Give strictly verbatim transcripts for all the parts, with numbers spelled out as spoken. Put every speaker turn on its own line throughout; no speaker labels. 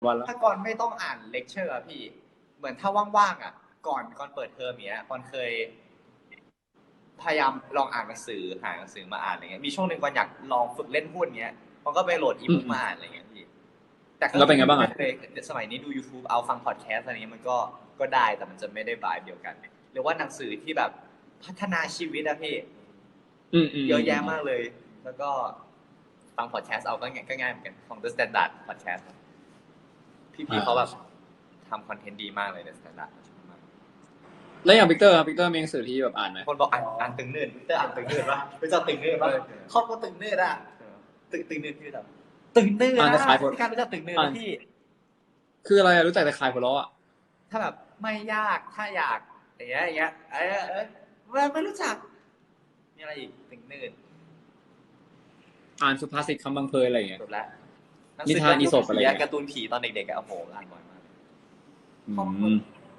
วันแล้ว
ถ้าก่อนไม่ต้องอ่านเลคเชอร์อะพี่เหมือนถ้าว่างๆอ่ะก่อนก่อนเปิดเทอมเนี้ยก่อนเคยพยายามลองอ่านหนังสือหาหนังสือมาอ่านอะไรเงี้ยมีช่วงหนึ่งก่อนอยากลองฝึกเล่นหุ้นเงี้ยมันก็ไปโหลดอีบุ๊กมาอ่านอะไรเงี้ยพี่แต่ก็
แล้วเป็นไงบ้าง
ไม่
อ่ะ
เคยสมัยนี้ดู YouTube เอาฟังพอดแคสต์อะไรเงี้ยมันก็ก็ได้แต่มันจะไม่ได้บายเดียวกันหรือว่าหนังสือที่แบบพัฒนาชีวิตอะพี่
อืมอืม
เยอะแยะมากเลย แล้วก็ฟังพอดแคสต์เอาก็ง่ายก็ง่ายเหมือนกันของ The Standard Podcast พี่ๆเขาแบบทำคอนเทนต์ดีมากเลย The Standard
แล้วอย่างวิกเตอร์ครับวิกเตอร์มีหนังสือที่แบบอ่านไหม
คนบอกอ่านอ่านตึงเนื่นเตอร์อ่านตึงเนื่นปะไม่ชอบตึงเนื่นปะครอบครัวตึงเนื่นอะตึงตึงเนื่นคือแบบตึงเนื่น
อ่านแต่
นะ
ขายผล
พี่การรู้จักตึงเนื่น
อ่าน
นะพี่
คืออะไรอะรู้จักแต่ขายผลล้ออ่ะ
ถ้าแบบไม่ยากถ้าอยากอย่างเงี้ยอย่างเงี้ยเออเออไม่ไม่รู้จักมีอะไรอีกตึงเนื่น
อ่านสุภาษิตคำบังเพยอะไรอย่างเงี้ย
จบแล้วหนัง
นิ
สือ
ทานอี
การ์
ส
ตูน
ปอะไร
ผี
เงี้ย
การ์ตูนผีตอนเด็กๆอะโอ้โหอ่านบ่อยมาก
อื
ครอบครัว
ม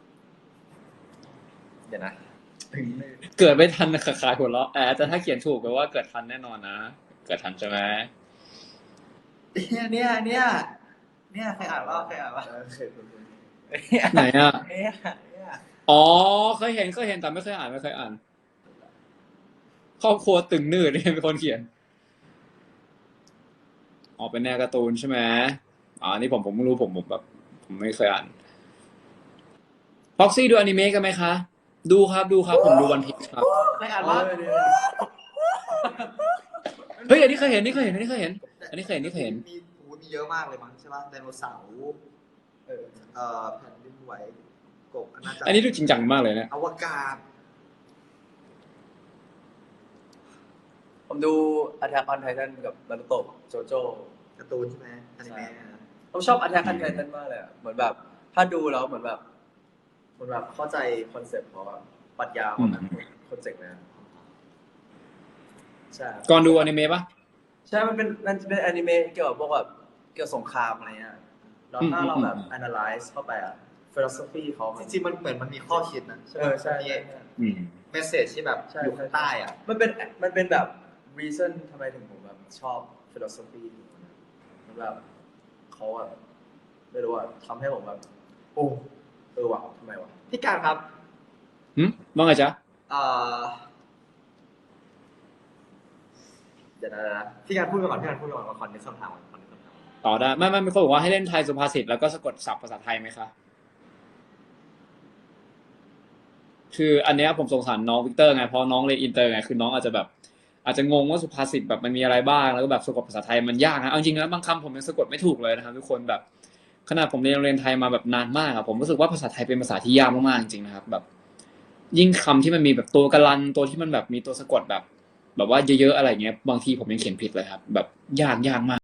เดี๋ยวนะตึงเนื่น
เกิดไม่ทันขายผลล้อแอบแต่ถ้าเขียนถูกแปลว่าเกิดทันแน่นอนนะเกิดทันใช่ไหม
เนี่ยเนี่ยเนี่ยเนี่ยใครอ่านว่าใครอ่านว่า
ไหนอ่ะ
เนี่ยเนี่ย
อ๋อเคยเห็นเคยเห็นแต่ไม่เคยอ่านไม่เคยอ่านครอบครัวตึงนืดเนี่ยเป็นคนเขียนอ๋อเป็นแนวการ์ตูนใช่ไหมอ๋อนี่ผมผมไม่รู้ผมผมแบบผมไม่เคยอ่านพ็อกซี่ดูอนิเมะกันไหมคะ ดูครับดูครับผมดูวันพีชครับ
ใครอ่านว่า
เฮ้ยอันนี้เคยเห็นนี่เคยเห็นอันนี้เคยเห็น อันนี้เคยเห็นนี่เคยเห็น
มีโอ้มีเยอะมากเลยมั้งใช่ป่ะไดโนเสาร์เอ่อเอ่อแผ่นดินไหวกบอาณาจักร
อันนี้ดูจริงจังมากเลยนะ
อวกาศ
ผมดู Attack on Titan กับ Naruto โจโจ้
การ์ตูนใช่ไหมอนิเมะอะ
ผมชอบ Attack on Titan มากเลยอะเหมือนแบบ ถ้าดูแล้วเหมือนแบบเหมือนแบบเข้าใจคอนเซ็ปต์เขาอะปรัชญาของมันคอนเซ็ปต์นะใช่
ก่อนดูอนิเมะปะ
ใช่มันเป็นมันเป็นอนิเมะเกี่ยวกับพวกแบบเกี่ยวกับสงครามอะไรเงี้ยแล้วถ้าเราแบบ analyze เข้าไปอะ philosophy เขา
จริงๆมันเหมือนมันมีข้อคิดนะใช่
เอ
ป่ะ
อใช่
มี
อืม
เมสเซจที่แบบ
ใช่
อยู่ข้างใต้อ่ะ
มันเป็นมันเป็นแบบ reason ทำไมถึงผมแบบชอบ philosophy มันแบบเขาอะไม่รู้อะทำให้ผมแบบโอ้เออว่ะทำไมวะพี่การครับ
หืมว่าไงจ๊ะ
เอ่อเดี๋ยวนะพี่การพูดไปก่อนพี่การพูดไปก่อนมาคอนเนคคำถามคอนเนคคำถาม
ต่อได้ไม่ไม่มีคนบอกว่าให้เล่นไทยสุภาษิตแล้วก็สะกดศัพท์ภาษาไทยไหมคะ คืออันเนี้ยผมสงสารน้องวิกเตอร์ไงเพราะน้องเรียนอินเตอร์ไงคือน้องอาจจะแบบ อาจจะงงว่าสุภาษิตแบบมันมีอะไรบ้างแล้วก็แบบสะกดภาษาไทยมันยากนะเอาจริงๆนะบางคำผมยังสะกดไม่ถูกเลยนะครับทุกคนแบบขนาดผมเรียนโรงเรียนไทยมาแบบนานมากอะผมรู้สึกว่าภาษาไทยเป็นภาษาที่ยากมากๆจริงๆนะครับแบบ ยิ่งคำที่มันมีแบบตัวกะลันตัวที่มันแบบมีตัวสะกดแบบ แบบว่าเยอะๆอะไรเงี้ยบางทีผมยังเขียนผิดเลยครับ แบบยากยากมาก